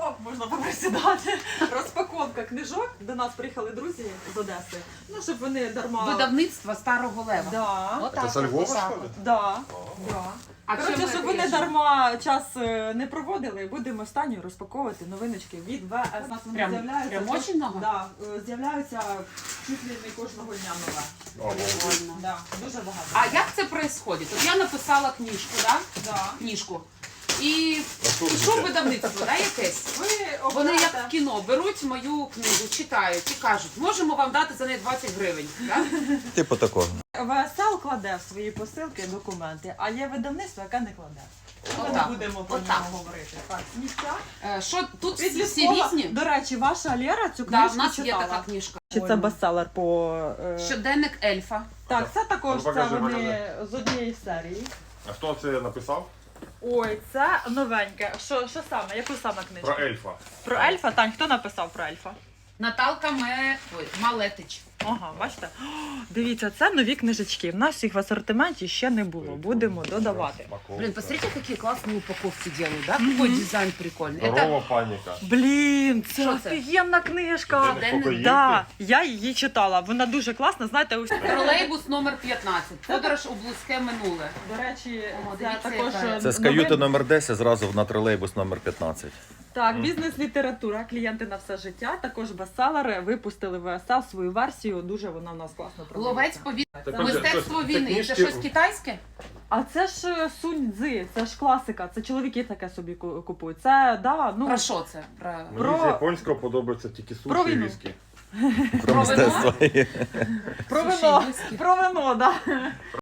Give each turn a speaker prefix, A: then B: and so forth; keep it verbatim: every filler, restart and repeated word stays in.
A: О, можна поприсідати. Розпаковка книжок. До нас приїхали друзі з Одеси. Ну, щоб вони дарма...
B: Видавництво Старого Лева.
A: Да.
B: Отак,
C: Це со Львова,
B: отак.
C: що ли?
A: Да. Да.
B: А
A: Коротше,
B: чим
A: щоб
B: ви
A: вони
B: ріжете?
A: дарма час е, не проводили, будемо останньою розпаковувати новиночки від ВС. У нас вони
B: Прям-
A: з'являються.
B: прям очень много?
A: Да, е, з'являються чуть ли не кожного дня нове.
B: Прикольно.
A: Да, дуже багато.
B: А як це происходит? От я написала книжку, да?
A: Да.
B: Книжку. І
C: що ви
B: пішов
C: таке?
B: видавництво, да, якесь?
A: Ви
B: Вони як
A: обираєте-
B: в кіно беруть мою книгу, читають і кажуть, можемо вам дати за неї двадцять гривень. Да?
D: Типу такого.
A: ВСЛ кладе в свої посилки документи, а є видавництво, яке не кладе. Ми не
B: Отак.
A: будемо про
B: Отак.
A: нього говорити. Так, сміття.
B: Е, Що тут всі, всі
A: Підліткова.
B: різні?
A: До речі, ваша Лєра цю
B: Да,
A: книжку
B: в нас
A: читала.
B: є така книжка.
A: Чи це бестселер по... е,
B: Щоденник ельфа.
A: Так, це також
C: Ну,
A: це
C: покажи,
A: вони
C: покажи.
A: з однієї серії.
C: А хто це написав?
A: Ой, це новеньке. Що, що саме? Яку саме книжку?
C: Про ельфа.
A: Про ельфа? Тань, хто написав про ельфа?
B: Наталка Ме... Ой, Малетич.
A: Ага, бачите? О, дивіться, це нові книжечки. В нас їх в асортименті ще не було. Будемо додавати.
B: Блин, посмотрите, какие классные упаковки делают, да? Какой дизайн прикольный. Это
C: Здорова паніка.
A: Блін, це
B: Що це?
A: офігенна книжка.
B: Щоденник
C: Покоївки.
A: Да, я її читала. Вона дуже класна. Знаєте, ось
B: тролейбус номер п'ятнадцять. Подорож у близьке минуле.
A: до речі,
B: О,
A: це
B: дивіться,
A: також
B: яка.
D: Це з
A: новин-
D: каюти номер десять зразу на тролейбус номер п'ятнадцять.
A: Так, бізнес-література, клієнти на все життя. Також бестселери. Випустили ВСЛ свою версію. Дуже вона в нас класно
B: Ловець
A: продається.
B: повітря.
C: Так,
B: Мистецтво
C: це
B: війни. Це
C: книжки-
B: щось китайське?
A: А це ж е, Сунь Цзи, це ж класика. Це чоловіки таке собі ку- купують. Це да, ну
B: Про що це? Про...
C: Мені
A: Про-
C: з японського подобається тільки
A: Про
C: суші і
A: війну.
C: віскі.
D: Про
B: вино?
D: мистецтво.
A: про
B: Суші,
A: вино.
B: віскі.
A: Про вино, да.